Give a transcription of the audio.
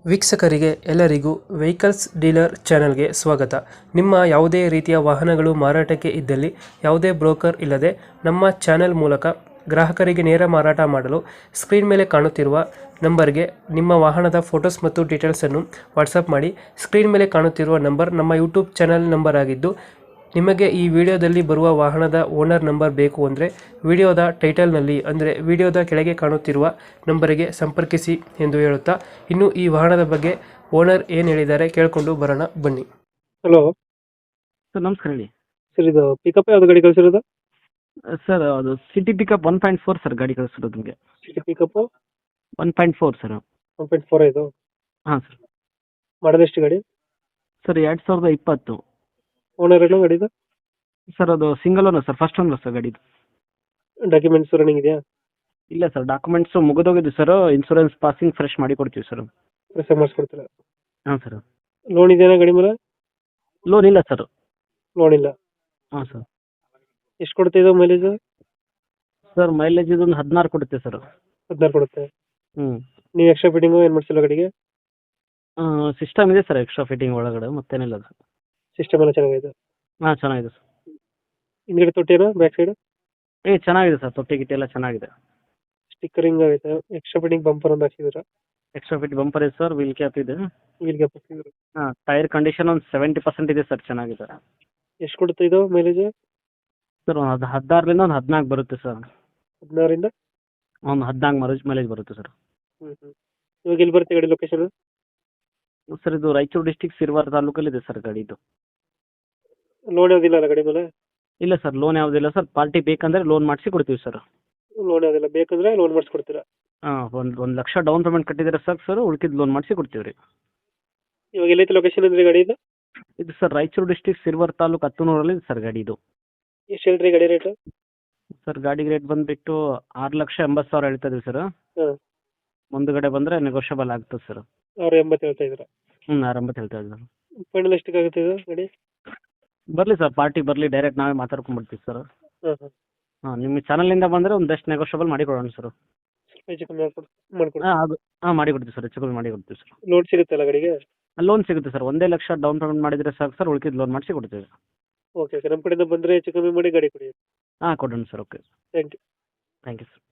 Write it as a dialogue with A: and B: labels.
A: ವೀಕ್ಷಕರಿಗೆ ಎಲ್ಲರಿಗೂ vehicles dealer ಚಾನೆಲ್ಗೆ ಸ್ವಾಗತ. ನಿಮ್ಮ ಯಾವುದೇ ರೀತಿಯ ವಾಹನಗಳು ಮಾರಾಟಕ್ಕೆ ಇದ್ದಲ್ಲಿ ಯಾವುದೇ ಬ್ರೋಕರ್ ಇಲ್ಲದೆ ನಮ್ಮ ಚಾನೆಲ್ ಮೂಲಕ ಗ್ರಾಹಕರಿಗೆ ನೇರ ಮಾರಾಟ ಮಾಡಲು ಸ್ಕ್ರೀನ್ ಮೇಲೆ ಕಾಣುತ್ತಿರುವ ನಂಬರ್ಗೆ ನಿಮ್ಮ ವಾಹನದ ಫೋಟೋಸ್ ಮತ್ತು ಡೀಟೇಲ್ಸನ್ನು ವಾಟ್ಸಪ್ ಮಾಡಿ. ಸ್ಕ್ರೀನ್ ಮೇಲೆ ಕಾಣುತ್ತಿರುವ ನಂಬರ್ ನಮ್ಮ ಯೂಟ್ಯೂಬ್ ಚಾನೆಲ್ ನಂಬರ್ ಆಗಿದ್ದು, ನಿಮಗೆ ಈ ವಿಡಿಯೋದಲ್ಲಿ ಬರುವ ವಾಹನದ ಓನರ್ ನಂಬರ್ ಬೇಕು ಅಂದರೆ ವಿಡಿಯೋದ ಟೈಟಲ್ನಲ್ಲಿ ಅಂದರೆ ವಿಡಿಯೋದ ಕೆಳಗೆ ಕಾಣುತ್ತಿರುವ ನಂಬರಿಗೆ ಸಂಪರ್ಕಿಸಿ ಎಂದು ಹೇಳುತ್ತಾ, ಇನ್ನು ಈ ವಾಹನದ ಬಗ್ಗೆ ಓನರ್ ಏನು ಹೇಳಿದ್ದಾರೆ ಕೇಳಿಕೊಂಡು ಬರೋಣ ಬನ್ನಿ. ಹಲೋ
B: ಸರ್ ನಮಸ್ಕಾರ ಹೇಳಿ.
A: ಸರ್, ಇದು ಪಿಕಪ್ ಯಾವ್ದು ಗಾಡಿ ಕಳಿಸಿರೋದು?
B: ಸರ್ ಅದು ಸಿಟಿ ಪಿಕಪ್ 1.4 ಸರ್ ಗಾಡಿ ಕಳಿಸಿರೋದು ನಿಮಗೆ.
A: City pickup
B: 1.4 sir.
A: 1.4 ಇದು.
B: ಹಾಂ ಸರ್.
A: ಮಾಡೋದು ಎಷ್ಟು ಗಾಡಿ?
B: ಸರ್ 2020.
A: ಓನರ್ ಏನು ಗಾಡಿದು?
B: ಸರ್ ಅದು single owner sir, first owner sir ಗಾಡಿದು.
A: ಡಾಕ್ಯುಮೆಂಟ್ಸ್ ರನ್ನಿಂಗ್ ಇದೆಯಾ?
B: ಇಲ್ಲ ಸರ್, ಡಾಕ್ಯುಮೆಂಟ್ಸ್ ಮುಗಿದೋಗಿದ್ದು ಸರ್. ಇನ್ಶೂರೆನ್ಸ್ ಪಾಸಿಂಗ್ ಫ್ರೆಶ್ ಮಾಡಿ ಕೊಡ್ತೀವಿ ಸರ್.
A: ಫ್ರೆಶ್ ಮಾಡಿಸ್ಕೊಡ್ತೀರಾ?
B: ಹಾಂ ಸರ್.
A: ಲೋನ್ ಇದೆಯಾ ಗಾಡಿ ಮೇಲೆ?
B: ಲೋನ್ ಇಲ್ಲ ಸರ್.
A: ಲೋನ್ ಇಲ್ಲ.
B: ಹಾಂ ಸರ್.
A: ಎಷ್ಟು ಕೊಡ್ತಿದ್ದು ಮೈಲೇಜ್?
B: ಸರ್ ಮೈಲೇಜ್ ಇದೊಂದು 16 ಕೊಡುತ್ತೆ ಸರ್.
A: 16 ಕೊಡುತ್ತೆ.
B: ಹ್ಞೂ.
A: ನೀವು ಎಕ್ಸ್ಟ್ರಾ ಫಿಟ್ಟಿಂಗು ಏನು ಮಾಡಿಸಿಲ್ಲ ಗಾಡಿಗೆ?
B: ಸಿಸ್ಟಮ್ ಇದೆ ಸರ್ ಎಕ್ಸ್ಟ್ರಾ ಫಿಟ್ಟಿಂಗ್ ಒಳಗಡೆ, ಮತ್ತೇನಿಲ್ಲ ಸರ್.
A: ಸಿಸ್ಟಮ್ ಎಲ್ಲ ಚೆನ್ನಾಗಿದೆ?
B: ಹಾಂ ಚೆನ್ನಾಗಿದೆ ಸರ್.
A: ಹಿಂದ್ಗಡೆ ತೊಟ್ಟಿನಾ ಬ್ಯಾಕ್ ಸೈಡ್?
B: ಚೆನ್ನಾಗಿದೆ ಸರ್, ತೊಟ್ಟಿ ಗಿಟ್ಟಿ ಎಲ್ಲ ಚೆನ್ನಾಗಿದೆ.
A: ಸ್ಟಿಕ್ಕರಿಂಗ್ ಆಗೈತೆ. ಎಕ್ಸ್ಟ್ರಾ ಫಿಟ್ಟಿಂಗ್ ಬಂಪರ್ ಒಂದು ಹಾಕ್ಸಿದ್ದೀರಾ?
B: ಎಕ್ಸ್ಟ್ರಾ ಫಿಟ್ ಬಂಪರ್ ಇದೆ ಸರ್, ವೀಲ್ ಕ್ಯಾಪ್ ಇದೆ.
A: ವೀಲ್ ಗ್ಯಾಪ್ ಹಾಕ್ಸಿದ್ದೀರಾ?
B: ಹಾಂ, ಟೈರ್ ಕಂಡೀಷನ್ ಒಂದು 70% ಇದೆ ಸರ್, ಚೆನ್ನಾಗಿದೆ.
A: ಎಷ್ಟು ಕೊಡುತ್ತೆ ಇದು ಮೈಲೇಜ್?
B: ಸರ್ ಒಂದು 16ರಿಂದ ಒಂದು 14 ಬರುತ್ತೆ ಸರ್.
A: 16ರಿಂದ
B: ಒಂದು 14 ಮೈಲೇಜ್ ಬರುತ್ತೆ ಸರ್.
A: ಇವಾಗ ಎಲ್ಲಿ ಬರುತ್ತೆ ಗಾಡಿ ಲೊಕೇಶನ್?
B: ಸರ್ ಇದು ರಾಯಚೂರು ಡಿಸ್ಟಿಕ್ ಸಿರ್ವಾರ್ ತಾಲೂಕಲ್ಲಿ ಇದೆ ಸರ್ ಗಾಡಿ ಇದು.
A: ಲೋನ್ ಯಾವುದಿಲ್ಲ ಅಲ್ಲ ಗಾಡಿ ಮೇಲೆ?
B: ಇಲ್ಲ ಸರ್, ಲೋನ್ ಯಾವುದಿಲ್ಲ ಸರ್. ಪಾರ್ಟಿ ಬೇಕಂದ್ರೆ ಲೋನ್ ಮಾಡಿಸಿ ಕೊಡ್ತೀವಿ ಸರ್.
A: ಲೋನ್ ಯಾವುದಿಲ್ಲ, ಬೇಕಂದ್ರೆ ಲೋನ್ ಮಾಡಿಸ್ಕೊಡ್ತೀರಾ?
B: ಹಾಂ, ಒಂದು ಲಕ್ಷ ಡೌನ್ ಪೇಮೆಂಟ್ ಕಟ್ಟಿದ್ರೆ ಸಾಕು ಸರ್, ಉಳ್ಕಿದ್ದು ಲೋನ್ ಮಾಡಿಸಿ ಕೊಡ್ತೀವಿ ರೀ.
A: ಇವಾಗ ಎಲ್ಲೈತೆ ಲೊಕೇಶನ್ ಅಂದ್ರೆ ಗಾಡಿ ಇದು?
B: ಇದು ಸರ್ ರಾಯಚೂರು ಡಿಸ್ಟಿಕ್ ಸಿರ್ವಾರ್ ತಾಲೂಕು 10 ಇದೆ ಸರ್ ಗಾಡಿ ಇದು.
A: ಎಷ್ಟು ಹೇಳ್ರಿ ಗಾಡಿ ರೇಟ್?
B: ಸರ್ ಗಾಡಿಗೆ ರೇಟ್ ಬಂದುಬಿಟ್ಟು 6,80,000 ಹೇಳ್ತಾ ಇದೀವಿ ಸರ್.
A: ಹಾಂ.
B: ಮುಂದುಗಡೆ ಬಂದರೆ ನೆಗೋಷಿಯಬಲ್ ಆಗ್ತದೆ ಸರ್.
A: 680 ಹೇಳ್ತಾ ಇದ್ದೀರಾ?
B: ಹ್ಞೂ, 680 ಹೇಳ್ತಾ ಇದ್ದೀವಿ.
A: ಫೈನಲ್ ಎಷ್ಟಕ್ಕೆ ಆಗುತ್ತೆ ಇದು ಗಾಡಿ?
B: ಬರಲಿ ಸರ್, ಪಾರ್ಟಿ ಬರಲಿ, ಡೈರೆಕ್ಟ್ ನಾವೇ ಮಾತಾಡ್ಕೊಂಡ್ಬಿಡ್ತೀವಿ ಸರ್.
A: ಹಾಂ ಹಾಂ.
B: ಹಾಂ, ನಿಮ್ಮ ಚಾನಲಿಂದ ಬಂದರೆ ಒಂದು ಬೆಸ್ಟ್ ನೆಗೋಷಿಯಬಲ್ ಮಾಡಿ ಕೊಡೋಣ ಸರ್.
A: ಸ್ವಲ್ಪ ಹೆಚ್ಚು ಕಮ್ಮಿ ಮಾಡ್ಕೊಡಿ.
B: ಹಾಂ ಅದು ಹಾಂ ಮಾಡಿ ಕೊಡ್ತೀವಿ ಸರ್, ಹೆಚ್ಚು ಕಮ್ಮಿ ಮಾಡಿ ಕೊಡ್ತೀವಿ ಸರ್.
A: ಲೋನ್ ಸಿಗುತ್ತಲ್ಲ ಗಾಡಿಗೆ?
B: ಲೋನ್ ಸಿಗುತ್ತೆ ಸರ್, 1 ಲಕ್ಷ ಡೌನ್ ಪೇಮೆಂಟ್ ಮಾಡಿದರೆ ಸಾಕು ಸರ್, ಉಳ್ಕಿದ್ದು ಲೋನ್ ಮಾಡಿಸಿ ಕೊಡ್ತೀವಿ.
A: ಓಕೆ ಓಕೆ, ನಮ್ಮ ಕಡೆಯಿಂದ ಬಂದರೆ ಹೆಚ್ಚು ಕಮ್ಮಿ ಮಾಡಿ ಗಾಡಿ ಕೊಡಿ.
B: ಹಾಂ ಕೊಡೋಣ sir. Okay,
A: thank you.
B: Thank you sir.